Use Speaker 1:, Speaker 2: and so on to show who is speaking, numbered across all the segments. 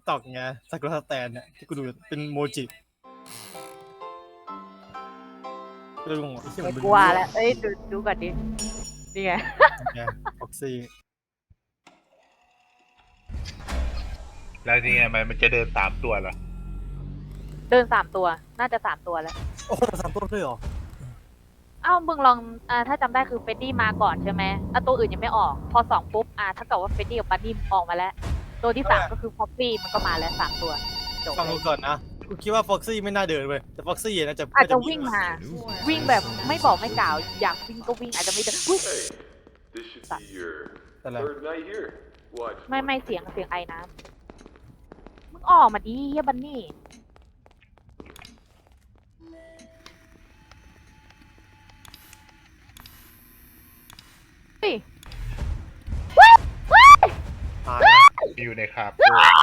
Speaker 1: กต็อกไงซากุระสแตนเนี่ยที่กูดูเป็นโมจิก็เลยงงไอ้เหี้ย
Speaker 2: ไม่
Speaker 1: มัน
Speaker 2: กลัวแล้วเอ้ยดูก่อนดินี่ไง
Speaker 1: ฟ็อกซี่
Speaker 3: แล้วนี่ไงมันจะเดิน3 ตัวเหรอ
Speaker 2: เดิน3 ตัวน่าจะ3 ตัวแล้ว
Speaker 1: โอ้โห3 ตัวด้วยเหรอ
Speaker 2: เอ้ามึงลองถ้าจำได้คือเฟดดี้มาก่อนใช่ไหมตัวอื่นยังไม่ออกพอ2ปุ๊บถ้าเกิดว่าเฟดดี้กับบันนี่ออกมาแล้ว ตัวที่3ก็คือฟ็อกซี่มันก็มาแล้ว3 ตัวจบ
Speaker 1: ฟัง
Speaker 2: เล
Speaker 1: กู
Speaker 2: ย
Speaker 1: ก่อนนะกูคิดว่าฟ็อกซี่ไม่น่าเดินเว้ยแต่ฟ็อกซี่น่าจะ
Speaker 2: อาจจะวิ่งมาวิ่งแบบไม่บอกไม่กล่าวอยากวิ่งก็วิ่งอาจจะไม่เดินอุ๊ย
Speaker 4: Hey, this should be your
Speaker 1: อะไร
Speaker 4: third night here. What?
Speaker 2: ไม่เสียงไอน้ำมึงออกมาดิเฮียบันนี่เฮ้ย
Speaker 1: ตายแล้ว
Speaker 3: อยู่ในคาโก้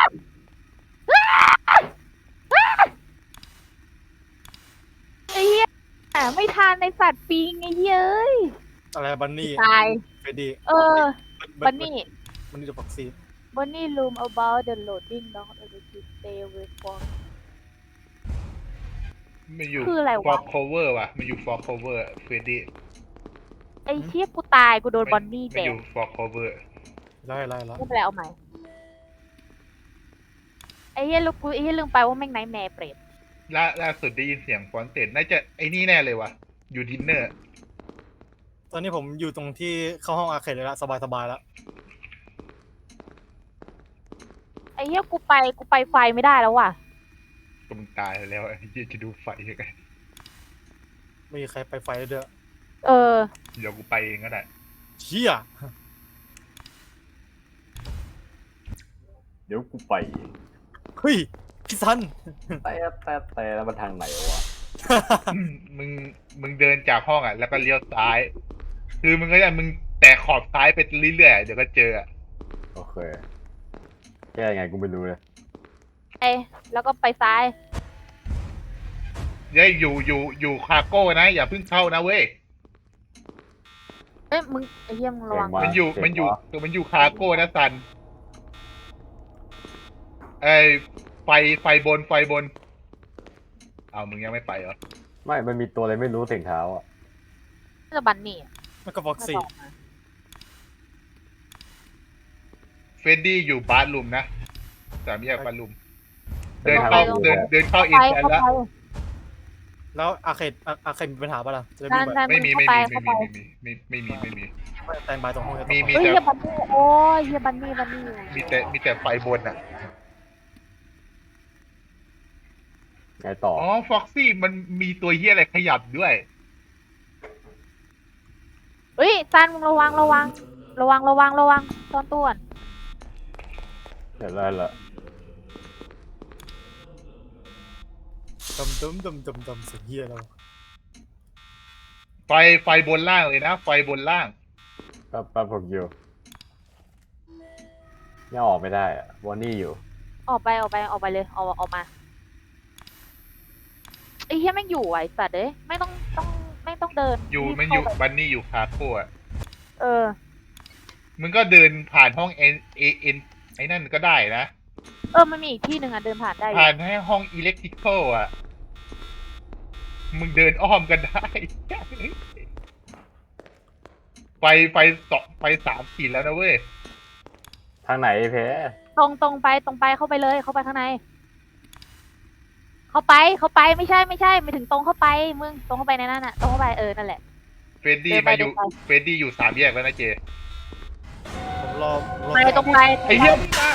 Speaker 2: ไอ้เหี้ยไม่ทานในสัตว์ปิงไอ้เหี้ยเอ้ย
Speaker 1: อะไรบันนี่
Speaker 2: ตาย
Speaker 1: เฟดดี้
Speaker 2: บันนี่
Speaker 1: บันนี่กับฟ็อกซี่
Speaker 2: บันนี่ room about the loading dock ability stay away from
Speaker 3: มันอยู่
Speaker 2: คืออะไรวะ
Speaker 3: ฟอกโคเวอร์ว่ะมันอยู่ฟอกโคเวอร์เฟรดดี้
Speaker 2: ไอ้เชี่ยกูตายกูโดนบอนนี่
Speaker 3: มัน
Speaker 2: แด
Speaker 3: อก ยู่ฟอกโคเวอร์
Speaker 1: ไล่
Speaker 2: ไม่เป็นไรเอาใหม่ไอ้เหี้ยลืมไปว่าแม่งไนท์แมร์เปรต
Speaker 3: ล่าสุดได้ยินเสียงฟอนเต็ดน่าจะไอ้นี่แน่เลยว่ะอยู่ดินเนอร์
Speaker 1: ตอนนี้ผมอยู่ตรงที่เข้าห้องอาร์เคดเลยละสบายแล้ว
Speaker 2: ไอ้เหี้ยกูไปไฟไม่ได้แล้วว่ะ
Speaker 3: ก็มึงตายแล้วไอ้เหี้ยจะดูไฟยังไง
Speaker 1: ไม่มีใครไปไฟเลยเด้อ
Speaker 2: เออ
Speaker 3: เดี๋ยวกูไปเองก็ได้
Speaker 1: เชี่ย
Speaker 5: เดี๋ยวกูไป
Speaker 1: เฮ้ยพี่ซัน
Speaker 5: แต่แล้วมันทางไหนวะ
Speaker 3: มึงเดินจากห้องอ่ะแล้วก็เลี้ยวซ้าย คือมึงก็จะมึงแตะขอบซ้ายไปเรื่อยๆเดี๋ยวก็เจออะ
Speaker 5: โอเคแก้ยังไงกูไม่รู้เลย
Speaker 2: แล้วก็ไปซ้าย
Speaker 3: เย้ยอยู่คาโก้นะอย่าเพิ่งเข้านะเว้ย
Speaker 2: เอ้ยมึงไอ้เหี้ยมึงระวัง
Speaker 3: มันอยู่คาโก้นะซันไอ้ไฟบนเอามึงยังไม่ไปเหรอ
Speaker 5: ไม่มันมีตัวอะไรไม่รู้เสียงเท้าอ่ะ
Speaker 2: น่าจะบันนี่
Speaker 1: แล้วก็ฟ็อกซี่
Speaker 2: น่าจะออกมา
Speaker 3: เฟรดดี้อยู่บาร์รูมนะ3 แยกบาร์รูมเดินเข้าอินแทนแล้ว
Speaker 1: แล้วอาร์เคดมีปัญหาป่ะล่ะจะได้
Speaker 2: นั่
Speaker 1: วิ่
Speaker 2: น
Speaker 1: งไป
Speaker 3: ไม่มี
Speaker 2: เข้าไป
Speaker 1: แตนบายตรงห้อง
Speaker 3: มี
Speaker 2: เฮ้ย
Speaker 3: แต่
Speaker 2: เฮียบันนี่โอ้ยเฮียบันนี่
Speaker 3: มีแต่ไฟบนอ่ะ
Speaker 5: ไงต่อ
Speaker 3: อ๋อฟ็อกซี่มันมีตัวเหี้ยอะไรขยับด้วย
Speaker 2: เฮ้ยซันมึงระวังซ่อนตัวก่อน
Speaker 5: เดี๋ยวได้ละ
Speaker 1: ดมเสียงเฮียแล้ว
Speaker 3: ไฟบนล่างเลยนะ ไฟบนล่าง
Speaker 5: แป๊บผมอยู่ยังออกไม่ได้อ่ะวอนนี่อยู่
Speaker 2: ออกไปเลยออกมาไอ้เฮียแม่งอยู่ไอ้สัตว์เอ้ยไม่ต้องเดิน
Speaker 3: มันอยู่บันนี่อยู่คาโก้อะ
Speaker 2: เออ
Speaker 3: มึงก็เดินผ่านห้องเอ็นไอ้นั่นก็ได้นะ
Speaker 2: มันมีอีกที่หนึ่งอ่ะเดินผ่านได้อยู่
Speaker 3: ผ่านให้ห้องอิเล็กทริคอลอ่ะ มึงเดินอ้อมกันได้ ไฟ3 ขีดแล้วนะเว้ย
Speaker 5: ทางไหนเพ
Speaker 2: ตรงไปเข้าไปเลยเข้าไปข้างในเข้าไปไม่ใช่ไม่ถึงตรงเข้าไปมึงตรงเข้าไปในนั้นอ่ะตรงเข้าไปนั่นแหละ
Speaker 3: เฟรดดี้
Speaker 2: เดินไป
Speaker 3: อยู่3 แยกแล้วนะเจ
Speaker 1: ผมรอ
Speaker 2: ไปตรงไป
Speaker 3: ไอ้เหี้ยมึงมา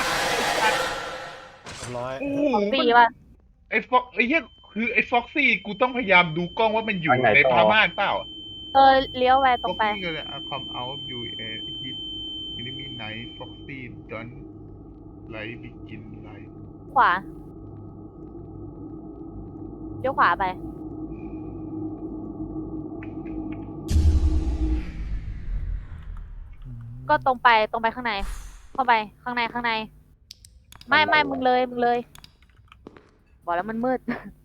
Speaker 1: ร้อย
Speaker 3: โอ้โห
Speaker 2: ตีว่ะ
Speaker 3: ไอ้เหี้ยคือไอ้ฟ็อกซี่กูต้องพยายามดูกล้องว่ามันอยู่ในพม่านเปล่า
Speaker 2: เลี้ยวไปตรงไป
Speaker 3: Foxy ก็เลยคอมเอาอยู่ฮิตมินิมิไนท์ฟ็อกซี่จอนไลท์บิกินไลท์
Speaker 2: ขวาเลี้ยวขวาไป ก็ตรงไปข้างใน เข้าไปข้างในไม่มึงเลยบอกแล้วมันมืด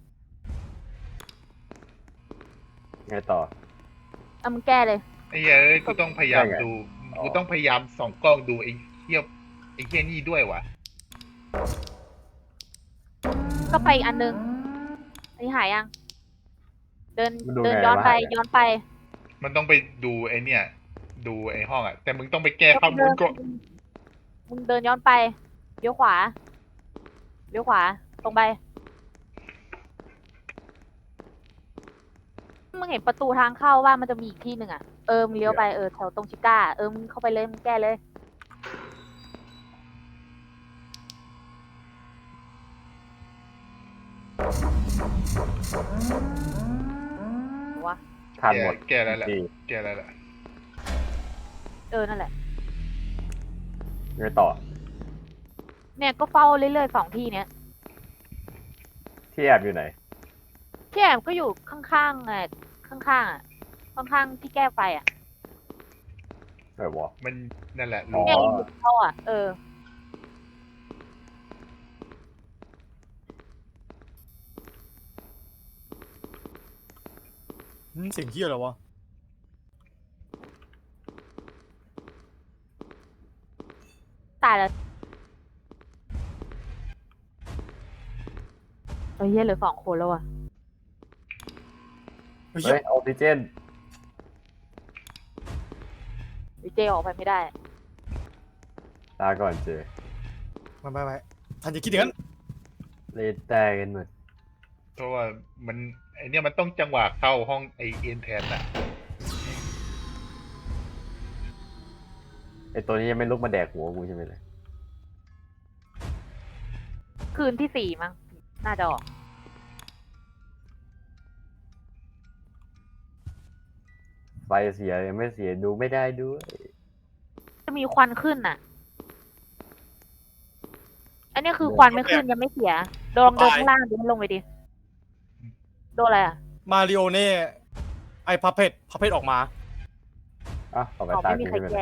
Speaker 5: ไงต่อ
Speaker 2: มึงแก้เลย
Speaker 3: ไอ้เหี้ยเอ้ยกูต้องพยายามดูกูต้องพยายามส่องกล้องดูไอ้เหี้ยนี่ด้วยวะ
Speaker 2: ก็ไปอีกอันนึงอันนี้หายยัง เดิน
Speaker 5: มันดู
Speaker 2: เดิน
Speaker 5: ไง
Speaker 2: ย้อน
Speaker 5: วะ
Speaker 2: ไป
Speaker 5: หายอะ
Speaker 2: ย้อนไป
Speaker 3: มันต้องไปดูไอเนี่ย ดูไอห้องอ่ะ แต่มึงต้องไปแก้ข้อมูลก่อน
Speaker 2: มึงเดินย้อนไปเลี้ยวขวาเลี้ยวขวาตรงไปมึงเห็นประตูทางเข้าว่ามันจะมีอีกที่หนึ่งอ่ะมึงเลี้ยวไปแถวตรงชิก้ามึงเข้าไปเลยมึงแก้เลย วะ
Speaker 5: ทานหมด
Speaker 3: แก้แล้วแหละ
Speaker 5: ที่
Speaker 3: แก้แล้วแหละ
Speaker 2: นั่นแหละ
Speaker 5: ยังไงต่อ
Speaker 2: เนี่ยก็เฝ้าเรื่อยๆ2 ที่เนี้ย
Speaker 5: ที่แอบอยู่ไหน
Speaker 2: ที่แอบก็อยู่ข้างๆข้างๆข้างๆที่แก้ไฟอ่ะ
Speaker 5: วะ
Speaker 3: มันนั่นแหละ
Speaker 5: อ๋อ
Speaker 2: เนี่ยอยู่เข้าอ่ะ
Speaker 1: เสียงเฮียอะไรวะ
Speaker 2: ตายแล้วเฮียเหลือ2 คนแล้วอ่ะ
Speaker 1: เฮ้ย
Speaker 5: เฮ้ยออกซิเจน
Speaker 2: วิเจออกไปไม่ได้
Speaker 5: ตาก่อนเจ
Speaker 1: ไม่ทันจะคิดอย่างนั้น
Speaker 5: เลดแตกกันหมด
Speaker 3: เพราะว่ามันไอเนี่ยมันต้องจังหวะเข้าห้องไอเอ็นแทนอ่ะ
Speaker 5: ไอตัวนี้ยังไม่ลุกมาแดกหัวกูใช่ไหมเลย
Speaker 2: คืนที่ 4มั้งน่าจะออก
Speaker 5: ไฟเสียยังไม่เสียดูไม่ได้ด้วย
Speaker 2: จะมีควันขึ้นน่ะ อันนี้คือควันไม่ขึ้นยังไม่เสียลองเดินข้างล่างดิลงไปดิโดนอะไรอ่ะ
Speaker 1: มาริโอเน่ไอพัพเพตออกมา
Speaker 5: อ่ะต่อไป
Speaker 2: ออก
Speaker 5: ตา
Speaker 2: ไม่มี
Speaker 5: กู
Speaker 2: ใคร
Speaker 5: ใช่ไหม
Speaker 2: แก้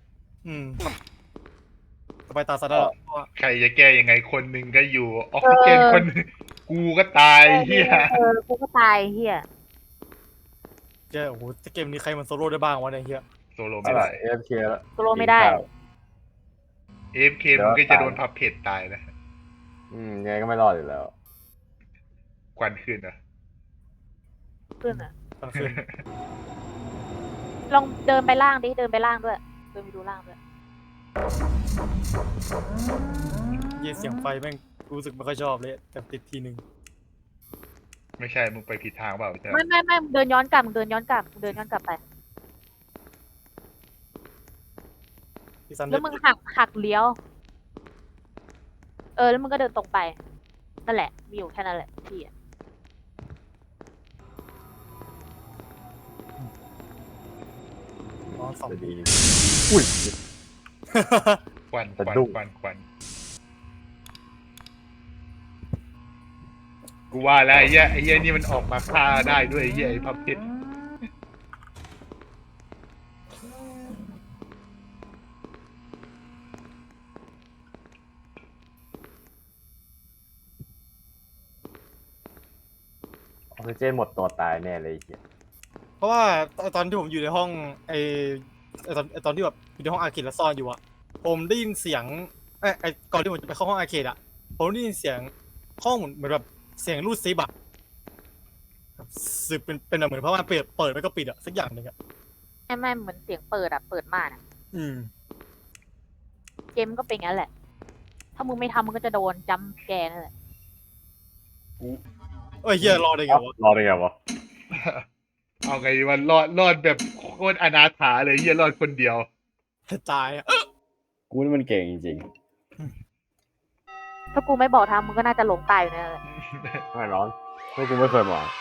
Speaker 1: ต่อไปตาซาดาแล้ว
Speaker 3: ใครจะแก้ยังไงคนหนึ่งก็อยู่ออกซิเจนคนหนึ่งกูก็ตายเฮีย
Speaker 2: กูก็ตายเฮีย
Speaker 1: เจ้าโอ้โหเกมนี้ใครมันโซโล่ได้บ้างวะเนี่ยเฮีย
Speaker 3: โซโล่
Speaker 5: อะ
Speaker 3: ไม่
Speaker 5: ไร
Speaker 3: ได้
Speaker 5: AFK แล้ว
Speaker 2: โซโลไม่ได้
Speaker 3: เอฟเคมึงก็จะโดนพับเพจตายนะ
Speaker 5: ยังไงก็ไม่รอดอยู่แล้ว
Speaker 3: ควันขึ้นอ่ะ
Speaker 2: ขึ้นอ่ะ
Speaker 1: กลางคืน
Speaker 2: ลองเดินไปล่างดิ เดินไปล่างด้วย เดินไปดูล่างด้วย
Speaker 1: เยี่ยเสียงไฟแม่งรู้สึกไม่ค่อยชอบเลยแต่ติดทีหนึ่ง
Speaker 3: ไม่ใช่มึงไปผิดทางเปล่าใช่ไหม
Speaker 2: ไม่มึงเดินย้อนกลับมึงเดินย้อนกลับมึงเดินย้อนกลับไป
Speaker 1: ที่ซัน
Speaker 2: แล้วมึงหักเลี้ยว แล้วมึงก็เดินตรงไป นั่นแหละ มีอยู่แค่นั้นแหละที่อ่ะ
Speaker 1: อ๋อสอง
Speaker 5: จะดี อุ้ย
Speaker 3: ควัน
Speaker 5: สะดุ้ง
Speaker 3: ควันกูว่าแล้วไอ้เหี้ยนี่มันออกมาฆ่าได้ด้วยไอ้เหี้ยไอ้พับเพจ
Speaker 5: ออกซิเจนหมดตัวตายแน่เลยไอ้เหี้ย
Speaker 1: เพราะว่าตอนที่ผมอยู่ในห้องตอนที่แบบอยู่ในห้องอาร์เคดแล้วซ่อนอยู่อะผมได้ยินเสียงก่อนที่ผมจะไปเข้าห้องอาร์เคดอะผมได้ยินเสียงห้องเหมือนแบบเสียงรูดซิปอะแบบซึบเป็นแบบเหมือนเพราะว่าเปิดแล้วก็ปิดอะสักอย่างหนึ่งอะ
Speaker 2: ไม่เหมือนเสียงเปิดอ่ะ เปิดมากอ่ะ
Speaker 1: อืม
Speaker 2: เกมก็เป็นงั้นแหละ ถ้ามึงไม่ทำมึงก็จะโดนจัมป์แกร์นั่นแหละ
Speaker 1: เอ้ยเฮียรอได้ไงวะ
Speaker 5: รอได้ไงวะ
Speaker 3: เอาไงดีวันรอดแบบโคตรอนาถาเลยเหี้ยรอดคนเดียว
Speaker 1: ตายอะ
Speaker 5: กูนี่มันเก่งจริง
Speaker 2: ถ้ากูไม่บอกทำมึงก็น่าจะหลงตายอยู่นั่นแหละ
Speaker 5: ๆไม่ร้อนเพราะกูไม่เคยมอง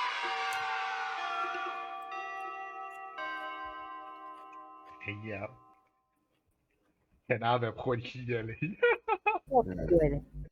Speaker 3: ไอ้เหี้ยชนะแบบโคตรขี้เกียจเลย
Speaker 2: โคตรเบื่อเลย